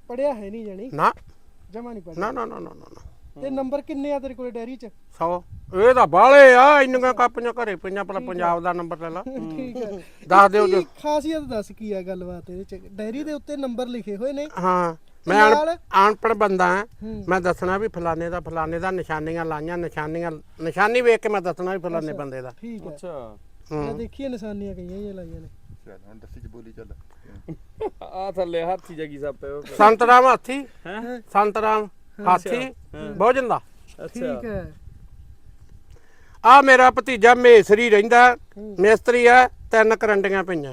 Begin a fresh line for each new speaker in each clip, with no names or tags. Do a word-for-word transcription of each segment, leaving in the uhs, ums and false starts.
ਪੜਿਆ ਹੈ ਨਹੀਂ ਜਾਨੀ
ਨਾ
ਜਮਾ ਨਹੀਂ ਪੜਿਆ
ਨਾ ਨਾ ਨਾ ਨਾ ਨਾ
ਤੇ ਨੰਬਰ ਕਿੰਨੇ ਆ ਤੇਰੇ ਕੋਲ ਡੈਰੀ ਚ
ਸੌ ਇਹ ਤਾਂ ਬਾਲੇ ਆ ਇੰਨੀਆਂ ਕਾਪੀਆਂ ਘਰੇ ਪਈਆਂ ਪਹਿਲਾਂ ਪੰਜਾਬ ਦਾ ਨੰਬਰ ਲੈ ਲਾ
ਠੀਕ ਹੈ
ਦੱਸ ਦਿਓ ਜੋ
ਖਾਸੀਅਤ ਦੱਸ ਕੀ ਆ ਗੱਲਬਾਤ ਇਹਦੇ ਚ ਡੈਰੀ ਦੇ ਉੱਤੇ ਨੰਬਰ ਲਿਖੇ ਹੋਏ ਨੇ
ਹਾਂ ਮੈਂ ਅਨਪੜ੍ਹ ਬੰਦਾ ਹਾਂ ਮੈਂ ਦੱਸਣਾ ਵੀ ਫਲਾਣੇ ਦਾ ਫਲਾਣੇ ਦਾ ਨਿਸ਼ਾਨੀਆਂ ਲਾਈਆਂ ਨਿਸ਼ਾਨੀਆਂ ਨਿਸ਼ਾਨੀ ਵੇਖ ਕੇ ਮੈਂ ਦੱਸਣਾ ਵੀ ਫਲਾਣੇ ਬੰਦੇ ਦਾ
ਠੀਕ ਹੈ
ਅੱਛਾ
ਮੈਂ ਦੇਖੀਏ ਨਿਸ਼ਾਨੀਆਂ ਕਈਆਂ ਹੀ ਲਾਈਆਂ ਨੇ
ਚੱਲ ਹੁਣ ਦੱਸੀ ਚ ਬੋਲੀ ਚੱਲ
ਆ ਥੱਲੇ ਹਾਥੀ ਜਗੀ ਸਾਪੇ
ਸੰਤਰਾਮ ਹਾਥੀ
ਹੈ
ਸੰਤਰਾਮ ਹਾਥੀ ਭੋਜਨ ਦਾ
ਠੀਕ ਹੈ
ਆ ਮੇਰਾ ਭਤੀਜਾ ਮੇਸਰੀ ਰਹਿੰਦਾ ਮਿਸਤਰੀ ਆ ਤਿੰਨ ਕਰੰਡੀਆਂ ਪਈਆਂ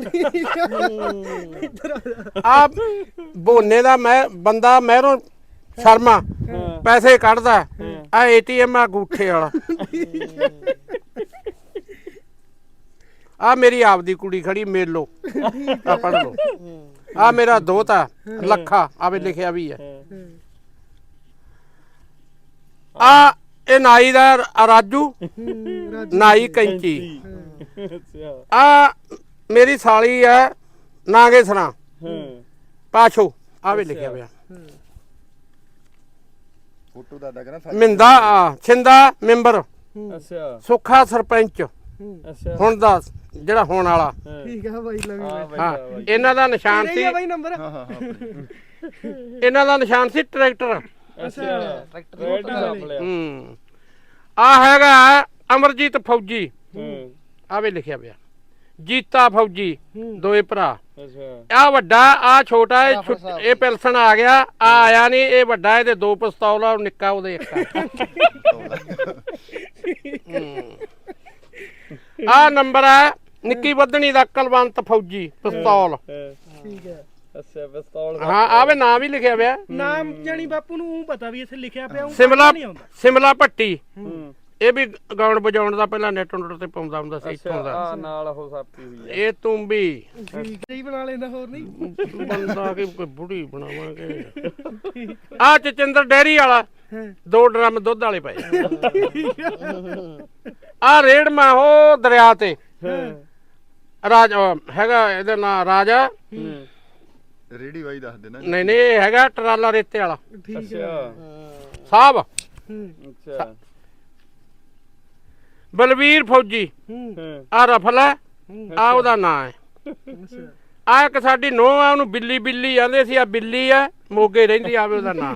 ਆ ਬੋਨੇ ਦਾ ਮੈਂ ਬੰਦਾ ਮਹਿਰੋਂ ਸ਼ਰਮਾ ਪੈਸੇ ਕੱਢਦਾ ਆ ਏਟੀਐਮ ਆ ਗੂਠੇ ਵਾਲਾ ਆ ਮੇਰੀ ਆਪਦੀ ਕੁੜੀ ਖੜੀ ਮੇਲੋ ਆ ਪੜ ਲੋ ਆ ਮੇਰਾ ਦੋਤਾ ਲੱਖਾ ਆਵੇ ਲਿਖਿਆ ਵੀ ਹੈ ਆ ਇਹ ਨਾਈ ਦਾ ਰਾਜੂ ਨਾਈ ਕੈਂਚੀ
ਅੱਛਾ
ਆ ਮੇਰੀ ਸਾਲੀ ਹੈ ਨਾਗੇਸਰਾ ਪਾਛੋ ਆਵੇ ਲਿਖਿਆ ਪਿਆ
ਫੋਟੋ ਦਾ ਦਾ ਕਰਾਂ
ਮਿੰਦਾ ਆ ਛਿੰਦਾ ਮੈਂਬਰ
ਅੱਛਾ
ਸੁੱਖਾ ਸਰਪੰਚ
ਅੱਛਾ
ਹੁਣ ਦਾ ਜਿਹੜਾ ਹੋਣ ਵਾਲਾ
ਠੀਕ ਆ ਬਾਈ ਲਵੀ
ਹਾਂ ਇਹਨਾਂ ਦਾ ਨਿਸ਼ਾਨ ਸੀ
ਬਾਈ ਨੰਬਰ
ਹਾਂ ਹਾਂ ਹਾਂ
ਇਹਨਾਂ ਦਾ ਨਿਸ਼ਾਨ ਸੀ ਟਰੈਕਟਰ
ਅੱਛਾ ਟਰੈਕਟਰ
ਹੂੰ ਆ ਹੈਗਾ ਅਮਰਜੀਤ ਫੌਜੀ
ਹੂੰ
ਆਵੇ ਲਿਖਿਆ ਪਿਆ ਜੀਤਾ ਫੌਜੀ ਦੋਏ ਭਰਾ
ਅੱਛਾ
ਆ ਵੱਡਾ ਆ ਛੋਟਾ ਇਹ ਛੁੱਟ- ਇਹ ਪਿਲਸਣ ਆ ਗਿਆ ਆ ਆਇਆ ਨਹੀਂ ਇਹ ਵੱਡਾ ਇਹਦੇ ਦੋ ਪਿਸਤੌਲ ਆ ਨਿੱਕਾ ਉਹਦੇ ਇੱਕ ਆ ਨੰਬਰ ਆ ਨਿੱਕੀ ਵਧਣੀ ਦਾ ਕਲਵੰਤ ਫੌਜੀ ਪਿਸਤੌਲ
ਠੀਕ ਹੈ
ਅੱਛਾ ਪਿਸਤੌਲ
ਹਾਂ ਆਵੇ ਨਾਮ ਵੀ ਲਿਖਿਆ ਪਿਆ
ਨਾਮ ਜਾਨੀ ਬਾਪੂ ਨੂੰ ਊਂ ਪਤਾ ਵੀ ਇੱਥੇ ਲਿਖਿਆ ਪਿਆ ਊਂ
ਸਿਮਲਾ
ਨਹੀਂ ਆਉਂਦਾ
ਸਿਮਲਾ ਭੱਟੀ
ਹੂੰ
ਇਹ ਵੀ ਗਾਉਣ ਵਜਾਉਣ ਦਾ ਪਹਿਲਾਂ ਨੈਟ ਨੁੱਟ ਤੇ ਪਾਉਂਦਾ ਹੁੰਦਾ ਸੀ ਇੱਥੋਂ ਦਾ
ਆ ਨਾਲ ਉਹ ਸਾਪੀ ਹੋਈ ਆ
ਇਹ ਤੂੰ ਵੀ
ਠੀਕ ਹੈ ਬਣਾ ਲੈਂਦਾ ਹੋਰ ਨਹੀਂ
ਬੰਦਾ ਕਿ ਕੋਈ ਬੁੜੀ ਬਣਾਵਾਂਗੇ ਆ ਚਚਿੰਦਰ ਡੈਰੀ ਵਾਲਾ ਦੋ ਡਰਮ ਦੁੱਧ ਵਾਲੇ ਪਏ ਆ ਰੇੜ ਮੈਂ ਉਹ ਦਰਿਆ ਤੇ ਰਾਜ ਹੈਗਾ ਇਹਦਾ ਨਾਂ ਰਾਜਾ
ਰੇੜੀ ਵਾਈ ਦੱਸ ਦੇਣਾ
ਨਹੀਂ ਨਹੀਂ ਇਹ ਹੈਗਾ ਟਰਾਲਾ ਰੇਤੇ ਵਾਲਾ
ਠੀਕ ਹੈ
ਅੱਛਾ
ਸਾਹਿਬ
ਅੱਛਾ
ਬਲਵੀਰ ਫੌਜੀ
ਹੂੰ
ਆ ਰਫਲ ਹੈ ਆ ਉਹਦਾ ਨਾਂ ਹੈ ਆ ਇੱਕ ਸਾਡੀ ਨੋਹ ਆ ਉਹਨੂੰ ਬਿੱਲੀ ਬਿੱਲੀ ਆਂਦੇ ਸੀ ਆ ਬਿੱਲੀ ਆ ਮੋਗੇ ਰਹਿੰਦੀ ਆਵੇ ਉਹਦਾ ਨਾਂ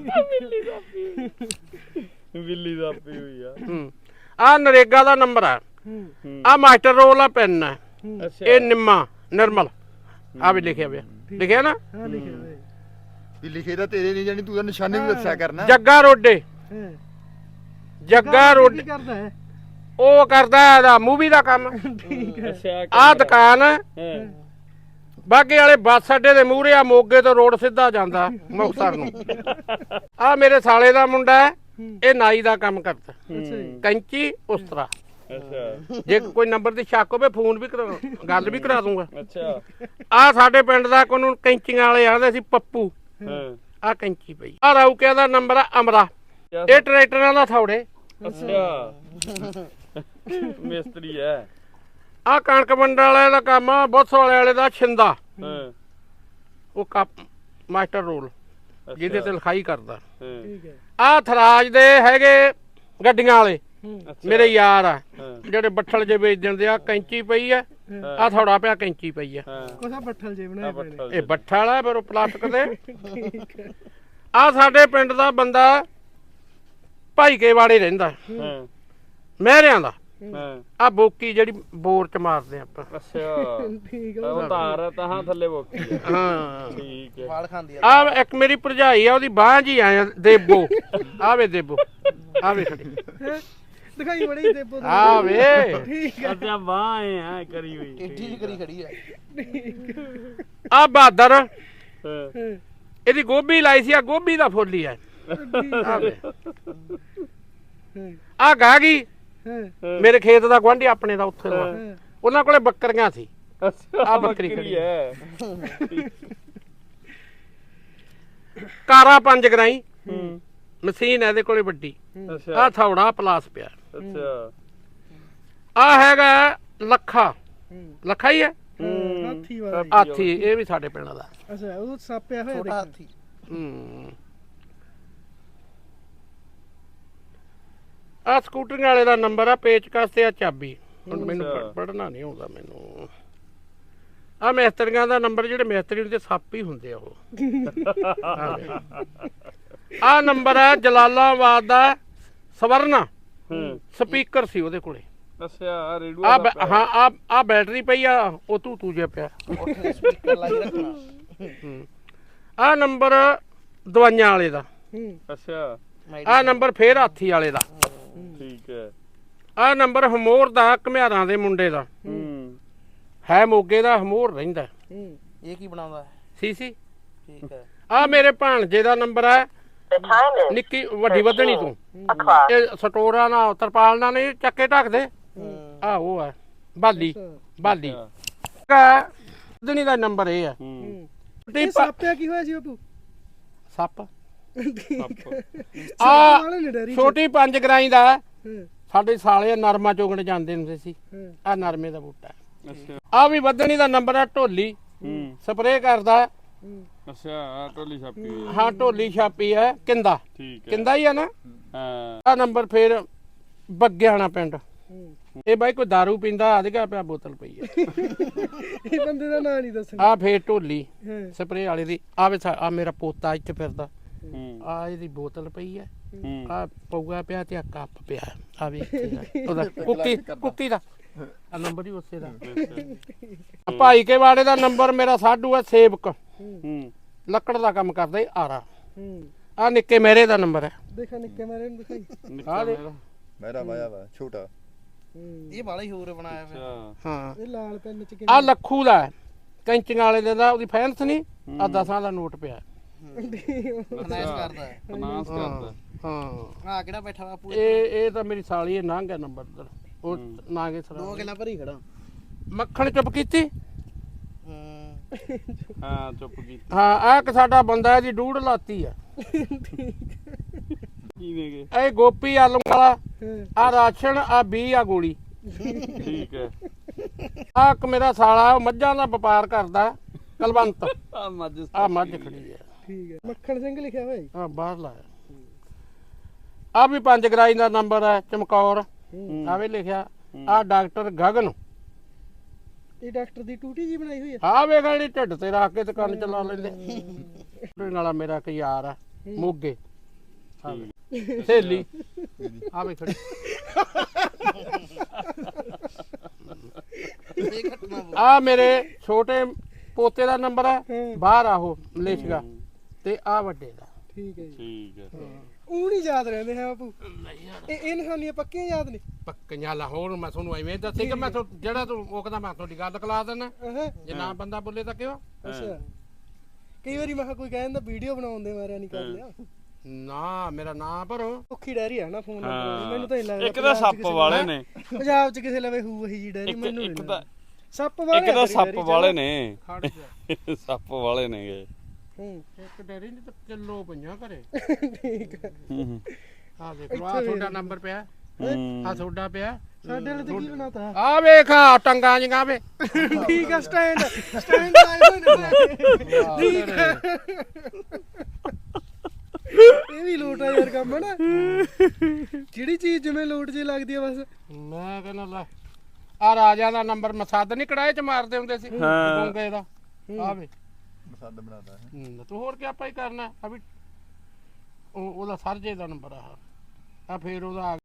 ਬਿੱਲੀ ਸਾਪੀ ਹੋਈ ਆ
ਹੂੰ ਆ ਨਰੇਗਾ ਦਾ ਨੰਬਰ ਆ ਆ ਮਾਸਟਰ ਰੋਲ ਆ ਪੈਨ ਹੈ
ਅੱਛਾ
ਇਹ ਨਿੰਮਾ ਨਿਰਮਲ ਆ ਵੀ ਲਿਖਿਆ ਪਿਆ ਲਿਖਿਆ ਨਾ
ਹਾਂ ਲਿਖਿਆ ਹੋਇਆ
ਵੀ ਲਿਖੇ ਤਾਂ ਤੇਰੇ ਨਹੀਂ ਜਾਨੀ ਤੂੰ ਤਾਂ ਨਿਸ਼ਾਨੇ ਵੀ ਦੱਸਿਆ ਕਰਨਾ
ਜੱਗਾ ਰੋਡੇ
ਹੈ
ਜੱਗਾ
ਕੀ
ਰੋਡੇ
ਕਰਦਾ ਹੈ
ਉਹ ਕਰਦਾ ਇਹਦਾ ਮੂਵੀ ਦਾ ਕੰਮ
ਅੱਛਾ
ਆ ਦੁਕਾਨ
ਹਾਂ
ਬਾਗੇ ਵਾਲੇ ਬੱਸ ਅੱਡੇ ਦੇ ਮੂਹਰੇ ਆ ਮੋਗੇ ਤੋਂ ਰੋਡ ਸਿੱਧਾ ਜਾਂਦਾ ਮੁਕਤਸਰ ਨੂੰ ਆ ਮੇਰੇ ਸਾਲੇ ਦਾ ਮੁੰਡਾ ਹੈ ਇਹ ਨਾਈ ਦਾ ਕੰਮ ਕਰਦਾ
ਅੱਛਾ ਜੀ
ਕੈਂਚੀ ਉਸ ਤਰ੍ਹਾਂ
ਅੱਛਾ
ਜੇ ਕੋਈ ਨੰਬਰ ਦੀ ਸ਼ੱਕ ਹੋਵੇ ਫੋਨ ਵੀ ਕਰਾ ਗੱਲ ਵੀ ਕਰਾ ਦੂੰਗਾ
ਅੱਛਾ
ਆ ਸਾਡੇ ਪਿੰਡ ਦਾ ਕੋਨੂੰ ਕੈਂਚੀਆਂ ਵਾਲੇ ਆਂਦੇ ਸੀ ਪੱਪੂ
ਹਾਂ
ਆ ਕੈਂਚੀ ਪਈ ਆ ਰੌਕਿਆਂ ਦਾ ਨੰਬਰ ਆ ਅਮਰਾ ਇਹ ਟਰੈਕਟਰਾਂ ਦਾ ਥੌੜੇ
ਅੱਛਾ ਮਿਸਤਰੀ ਹੈ
ਆ ਕਣਕ ਮੰਡਲ ਵਾਲੇ ਦਾ ਕੰਮ ਆ ਬੁੱਸ ਵਾਲੇ ਵਾਲੇ ਦਾ ਛਿੰਦਾ
ਹਾਂ
ਉਹ ਕੱਪ ਮਾਸਟਰ ਰੋਲ ਜਿਹਦੇ ਤੇ ਲਿਖਾਈ ਕਰਦਾ
ਹਾਂ
ਠੀਕ ਹੈ
ਆ ਥਰਾਜ ਦੇ ਹੈਗੇ ਗੱਡੀਆਂ ਵਾਲੇ
ਅੱਛਾ
ਮੇਰੇ ਯਾਰ ਆ
ਹਾਂ
ਜਿਹੜੇ ਬੱਠਲ ਜੇ ਵੇਚ ਦਿੰਦੇ ਆ ਕੈਂਚੀ ਪਈ ਆ ਆ ਥੋੜਾ ਪਿਆ ਕੈਂਚੀ ਪਈ ਆ
ਹਾਂ
ਕੋਸਾ ਬੱਠਲ ਜੇ ਬਣਾਏ ਪਏ ਨੇ
ਇਹ ਬੱਠਾ ਵਾਲਾ ਫਿਰ ਉਹ ਪਲਾਸਟਿਕ ਦੇ ਆ ਸਾਡੇ ਪਿੰਡ ਦਾ ਬੰਦਾ ਭਾਈਕੇ ਵਾੜੇ ਰਹਿੰਦਾ
ਹਾਂ
ਮਹਿਰਿਆਂ ਦਾ
ਹਾਂ
ਆ ਬੋਕੀ ਜਿਹੜੀ ਬੋਰ ਚ ਮਾਰਦੇ ਆਪਾਂ
ਅੱਛਾ
ਠੀਕ
ਉਹ ਤਾਰ ਤਾਂ ਥੱਲੇ ਬੋਕੀ ਆ
ਹਾਂ
ਠੀਕ ਹੈ
ਵਾਲ ਖਾਂਦੀ ਆ
ਆ ਇੱਕ ਮੇਰੀ ਭਰਜਾਈ ਆ ਉਹਦੀ ਬਾਂਹ ਜੀ ਆਇਆ ਦੇਬੋ ਆਵੇ ਦੇਬੋ ਆਵੇ ਖੜੀ
ਦਿਖਾਈ ਬੜੀ ਦੇ ਪੁੱਤ
ਆਵੇ
ਠੀਕ ਹੈ
ਅੱਛਾ ਬਾਹ ਐ ਕਰੀ ਹੋਈ
ਟਿੱਡੀ ਜਿਹੀ ਕਰੀ ਖੜੀ ਆ
ਆ ਬਹਾਦਰ
ਹਾਂ
ਇਹਦੀ ਗੋਭੀ ਲਾਈ ਸੀ ਆ ਗੋਭੀ ਦਾ ਫੁੱਲ ਹੀ ਆ ਆਵੇ ਆ ਗਾਗੀ
ਹਾਂ
ਮੇਰੇ ਖੇਤ ਦਾ ਗੁਆਂਢੀ ਆਪਣੇ ਦਾ ਉੱਥੇ ਦਾ
ਹਾਂ
ਉਹਨਾਂ ਕੋਲੇ ਬੱਕਰੀਆਂ ਸੀ
ਅੱਛਾ
ਆ ਬੱਕਰੀ ਖੜੀ
ਹੈ
ਕਾਰਾ ਪੰਜ ਗਰਾਈ
ਹੂੰ
ਮਸ਼ੀਨ ਇਹਦੇ ਕੋਲੇ ਵੱਡੀ
ਅੱਛਾ
ਆ ਥੌੜਾ ਪਲਾਸ ਪਿਆ
ਅੱਛਾ
ਆ ਹੈਗਾ ਲੱਖਾ ਲੱਖਾ ਹੀ ਹੈ
ਹੂੰ
ਹਾਥੀ ਵਾਲਾ ਜੀ।
ਹਾਥੀ ਇਹ ਵੀ ਸਾਡੇ ਪਿੰਡ ਦਾ।
ਅੱਛਾ ਉਹ ਸਾਪਿਆ ਹੋਇਆ
ਛੋਟਾ
ਦੇਖਿਆ।
ਹਾਥੀ
ਹੂੰ ਆ ਸਕੂਟਰ ਵਾਲੇ ਦਾ ਨੰਬਰ ਆ, ਪੇਚਕਸ ਤੇ ਆ ਚਾਬੀ। ਹੁਣ ਮੈਨੂੰ
ਅੱਛਾ।
ਪੜਨਾ ਨਹੀਂ ਆਉਂਦਾ ਮੈਨੂੰ। ਆ ਮਿਸਤਰੀਆਂ ਦਾ ਨੰਬਰ, ਜਿਹੜੇ ਮਿਸਤਰੀ ਹੁੰਦੇ ਸੱਪ ਹੀ ਹੁੰਦੇ ਆ ਉਹ। ਆ ਨੰਬਰ ਆ ਜਲਾਲਾਬਾਦ ਦਾ ਸਵਰਨਾ,
ਹੂੰ
ਸਪੀਕਰ ਸੀ ਉਹਦੇ ਕੋਲੇ।
ਅੱਛਾ ਆ ਰੇਡੂ
ਆ ਹਾਂ ਆ ਆ ਬੈਟਰੀ ਪਈ ਆ, ਉਹ ਤੂੰ ਤੂੰ ਜਿਹਾ ਪਿਆ।
ਉੱਥੇ ਸਪੀਕਰ ਲਾਈ ਰੱਖਣਾ
ਆ ਨੰਬਰ ਦਵਾਈਆਂ ਵਾਲੇ ਦਾ।
ਹੂੰ
ਅੱਛਾ
ਆ ਨੰਬਰ ਫੇਰ ਹਾਥੀ ਵਾਲੇ ਦਾ।
ਠੀਕ ਹੈ।
ਆ ਨੰਬਰ ਹਮੋਰ ਦਾ, ਘਮਿਆਰਾਂ ਦੇ ਮੁੰਡੇ ਦਾ।
ਹੂੰ
ਹੈ ਮੋਗੇ ਦਾ, ਹਮੋਰ ਰਹਿੰਦਾ
ਹੂੰ
ਇਹ ਕੀ ਬਣਾਉਂਦਾ ਹੈ
ਸੀ ਸੀ।
ਠੀਕ ਹੈ
ਆ ਮੇਰੇ ਭਾਣਜੇ ਦਾ ਨੰਬਰ ਹੈ, ਨਿੱਕੀ ਵੱਡੀ ਵਧਣੀ ਤੋਂ। ਇਹ ਸਟੋਰਾਂ ਨਾਲ ਤਰਪਾਲ ਨਾਲ ਨਹੀਂ ਚੱਕੇ ਢੱਕਦੇ, ਆ ਉਹ ਹੈ ਬਾਲੀ ਬਾਲੀ। ਵਧਣੀ ਦਾ ਨੰਬਰ ਇਹ ਹੈ।
ਹੂੰ
ਇਹ ਸਾਪਿਆ ਕੀ ਹੋਇਆ ਸੀ ਬਾਪੂ?
ਸੱਪ
ਸਾਪ
ਆ
ਵਾਲੇ ਨੇ ਡੈਰੀ ਚ।
ਛੋਟੀ ਪੰਜ ਗਰਾਈ ਦਾ
ਹੂੰ
ਸਾਡੇ ਸਾਲੇ ਨਰਮਾ ਚੋਗਣ ਜਾਂਦੇ ਹੁੰਦੇ ਸੀ।
ਹੂੰ
ਆ ਨਰਮੇ ਦਾ ਬੂਟਾ।
ਅੱਛਾ
ਆ ਵੀ ਵਧਣੀ ਦਾ ਨੰਬਰ ਹੈ, ਢੋਲੀ
ਹੂੰ
ਸਪਰੇਅ ਕਰਦਾ।
ਹੂੰ
ਅੱਛਾ ਆ ਟੋਲੀ ਛਾਪੀ ਹੋਈ ਹੈ।
ਹਾਂ ਢੋਲੀ ਛਾਪੀ ਹੈ, ਕਿੰਦਾ
ਠੀਕ ਹੈ।
ਕਿੰਦਾ ਹੀ ਆ ਨਾ।
ਹਾਂ
ਆ ਨੰਬਰ ਫੇਰ ਬੱਗਿਆਣਾ ਪਿੰਡ।
ਹੂੰ
ਇਹ ਬਾਈ ਕੋਈ ਦਾਰੂ ਪੀਂਦਾ, ਆਦਿਗਾ ਪਿਆ ਬੋਤਲ ਪਈ ਹੈ।
ਇਹ ਬੰਦੇ ਦਾ ਨਾਂ ਨਹੀਂ ਦੱਸਣਾ।
ਆ ਫੇਰ ਢੋਲੀ
ਹਾਂ
ਸਪਰੇਅ ਵਾਲੇ ਦੀ। ਆ ਵੇ ਆ ਮੇਰਾ ਪੋਤਾ ਇੱਥੇ ਫਿਰਦਾ,
ਹੂੰ
ਆ ਇਹਦੀ ਬੋਤਲ ਪਈ ਹੈ।
ਹੂੰ
ਆ ਪਊਆ ਪਿਆ ਤੇ ਆ ਕੱਪ ਪਿਆ। ਆ ਵੇ ਉਹਦਾ ਕੁੱਕੀ ਕੁੱਕੀ ਦਾ ਆ ਨੰਬਰ ਹੀ ਉਸੇ ਦਾ। ਆ ਭਾਈ ਕੇ ਵਾੜੇ ਦਾ ਨੰਬਰ ਮੇਰਾ ਸਾਡੂ ਹੈ, ਸੇਵਕ
ਹੂੰ
ਲੱਕੜ ਦਾ ਕੰਮ ਕਰਦਾ ਈ ਆਰਾ।
ਹੂੰ
ਆ ਨਿੱਕੇ ਮੇਰੇ ਦਾ ਨੰਬਰ ਹੈ।
ਦੇਖਾ ਨਿੱਕੇ ਮਾਰੇ ਨੂੰ ਦਿਖਾਈ।
ਨਿੱਕਾ ਮੇਰਾ
ਮੇਰਾ ਵਾਇਆ ਵਾ ਛੋਟਾ।
ਹੂੰ
ਇਹ ਬਾਲਾ ਹੀ ਹੋਰ ਬਣਾਇਆ ਫਿਰ
ਅੱਛਾ
ਹਾਂ
ਇਹ ਲਾਲ ਪੈਨ ਚ
ਆ ਲੱਖੂ ਦਾ ਹੈ, ਕੈਂਚੀਆਂ ਵਾਲੇ ਦੇ ਦਾ। ਉਹਦੀ ਫੈਂਸ ਨਹੀਂ, ਆ ਦਸਾਂ ਦਾ ਨੋਟ ਪਿਆ।
ਫਾਈਨੈਂਸ ਕਰਦਾ ਹੈ
ਫਾਈਨਾਂਸ ਕਰਦਾ।
ਹਾਂ
ਆ ਕਿਹੜਾ ਬੈਠਾ ਬਾਪੂ
ਇਹ ਇਹ ਤਾਂ ਮੇਰੀ ਸਾਲੀ ਇਹ ਲੰਘ ਗਿਆ ਨੰਬਰ ਉਧਰ। ਉਹ ਨਾਗੇ
ਦੋ
ਸਰਾ
ਗੱਲਾਂ ਭਰੀ ਖੜਾ
ਮੱਖਣ ਚੁੱਪ ਕੀਤੀ।
ਹੂੰ
ਹਾਂ ਚੁੱਪ ਕੀਤੀ।
ਹਾਂ ਆ ਇੱਕ ਸਾਡਾ ਬੰਦਾ ਇਹਦੀ ਡੂੜ ਲਾਤੀ ਆ।
ਕਿਵੇਂ ਗਏ?
ਇਹ ਗੋਪੀ ਆਲੂ ਵਾਲਾ।
ਹਾਂ
ਆ ਰਾਸ਼ਨ, ਆ ਬੀ, ਆ ਗੋਲੀ।
ਠੀਕ ਹੈ।
ਆ ਇੱਕ ਮੇਰਾ ਸਾਲਾ, ਉਹ ਮੱਝਾਂ ਦਾ ਵਪਾਰ ਕਰਦਾ, ਕਲਵੰਤ।
ਆ ਮੱਝ
ਆ ਮੱਝ ਖੜੀ ਹੈ।
ਠੀਕ ਹੈ ਮੱਖਣ ਸਿੰਘ ਲਿਖਿਆ ਹੋਇਆ ਜੀ।
ਆ ਬਾਹਰ ਲਾਇਆ। ਆ ਵੀ ਪੰਜ ਗਰਾਈ ਦਾ ਨੰਬਰ ਹੈ, ਚਮਕੌਰ। ਆ ਵੀ ਲਿਖਿਆ। ਆ ਡਾਕਟਰ ਗਗਨ।
ਇਹ ਡਾਕਟਰ ਦੀ ਟੂਟੀ ਜੀ ਬਣਾਈ ਹੋਈ ਹੈ।
ਆ ਵੇਖ ਜਿਹੜੀ ਢਿੱਡ ਤੇ ਰੱਖ ਕੇ ਤੇ ਕੰਨ ਚਲਾ ਲੈਂਦੇ। ਉਹਦੇ ਨਾਲ ਮੇਰਾ ਇੱਕ ਯਾਰ ਆ ਮੋਗੇ। ਆ ਵੇ ਸਹੇਲੀ ਆ ਵੇ ਖੜੀ।
ਇਹ ਘਟਨਾ
ਆ ਮੇਰੇ ਛੋਟੇ ਪੋਤੇ ਦਾ ਨੰਬਰ ਹੈ,
ਹਾਂ।
ਬਾਹਰ ਆਹੋ ਮਲੇਸ਼ੀਆ। ਤੇ ਆ ਵੱਡੇ ਦਾ।
ਠੀਕ ਹੈ ਜੀ।
ਠੀਕ ਹੈ।
ਉਹ ਨਹੀਂ ਯਾਦ ਰਹਿੰਦੇ ਹੈ ਬਾਪੂ। ਇਹ ਇਹ ਨਿਸ਼ਾਨੀਆਂ ਪੱਕੀਆਂ ਯਾਦ ਨੇ।
ਪੱਕੀਆਂ ਲਾਹੌਰ ਮੈਂ ਤੁਹਾਨੂੰ ਐਵੇਂ ਦੱਸੇ ਕਿ ਮੈਂ ਤੁਹਾਨੂੰ ਜਿਹੜਾ ਤੂੰ ਮੁੱਕਦਾ ਮੈਂ ਤੁਹਾਡੀ ਗੱਲ ਕਲਾ ਦੇਣਾ।
ਹਾਂ
ਜੇ ਨਾ ਬੰਦਾ ਬੋਲੇ ਤਾਂ ਕਿਉਂ?
ਅੱਛਾ ਕਈ ਵਾਰੀ ਮੈਂ ਕਿਹਾ ਕੋਈ ਕਹਿੰਦਾ ਵੀਡੀਓ ਬਣਾਉਣ ਦੇ ਮਾਰਿਆ ਨਹੀਂ ਕਰ ਲਿਆ।
ਨਾ ਮੇਰਾ ਨਾਂ ਭਰੋ।
ਔਖੀ ਡੈਰੀ ਆ ਨਾ ਫੋਨ
ਹਾਂ।
ਨੰਬਰ ਮੈਨੂੰ ਤਾਂ ਨਹੀਂ ਲੱਗਦਾ
ਇੱਕ ਤਾਂ
ਪੰਜਾਬ 'ਚ
ਸੱਪ
ਕਿਸੇ
ਵਾਲੇ
ਕੋਲ-
ਨੇ।
ਪੰਜਾਬ 'ਚ ਕਿਸੇ ਲਵੇ ਹੂ ਇਹੀ ਜੀ ਡੈਰੀ
ਇੱਕ
ਮੈਨੂੰ
ਇੱਕ
ਨਹੀਂ
ਤਾਂ
ਸੱਪ ਵਾਲੇ
ਇੱਕ
ਆ
ਤਾਂ
ਤੇਰੀ
ਸੱਪ
ਡੈਰੀ 'ਚ।
ਵਾਲੇ ਨੇ।
ਖੜ ਜਾ।
ਸੱਪ ਵਾਲੇ ਨੇਗੇ।
ਹੂੰ
ਇੱਕ ਡੈਰੀ ਨਹੀਂ ਤਾਂ ਕਿਲੋ ਪਈਆਂ ਘਰੇ।
ਠੀਕ ਹੈ
ਹੂੰ
ਆ ਦੇਖ ਲਓ ਆ ਤੁਹਾਡਾ ਨੰਬਰ ਪਿਆ, ਆ ਤੁਹਾਡਾ ਪਿਆ।
ਸਾਡੇ ਵਾਲੇ ਤੇ ਕੀ ਬਣਾਤਾ।
ਆ ਵੇਖ ਆ ਟੰਗਾਂ ਜਿਹੀਆਂ ਵੇ।
ਠੀਕ ਆ ਸਟੈਂਡ ਸਟੈਂਡ ਆਏ ਹੋਏ ਨੇ। ਠੀਕ ਹੈ ਇਹ ਵੀ ਲੋਟ ਆ ਯਾਰ ਕੰਮ ਹੈ ਨਾ। ਜਿਹੜੀ ਚੀਜ਼ ਜਿਵੇਂ ਲੋਟ ਜੇ ਲੱਗਦੀ ਆ ਬਸ।
ਮੈਂ ਕਹਿੰਦਾ ਲੈ ਆ ਰਾਜਾ ਦਾ ਨੰਬਰ ਮਸੱਦ ਨਹੀਂ ਕੜਾਏ ਚ ਮਾਰਦੇ ਹੁੰਦੇ ਸੀ ਗੋਂਗੇ ਦਾ। ਆ ਵੇ
ਮਸੰਦ ਬਣਾਤਾ ਹੈ।
ਹੂੰ, ਤੂੰ ਹੋਰ ਕੀ ਆਪਾਂ ਹੀ ਕਰਨਾ। ਆ ਵੀ ਉਹ ਉਹਦਾ ਸਰਜੇ ਦਾ ਨੰਬਰ ਆ। ਆ ਫੇਰ ਉਹਦਾ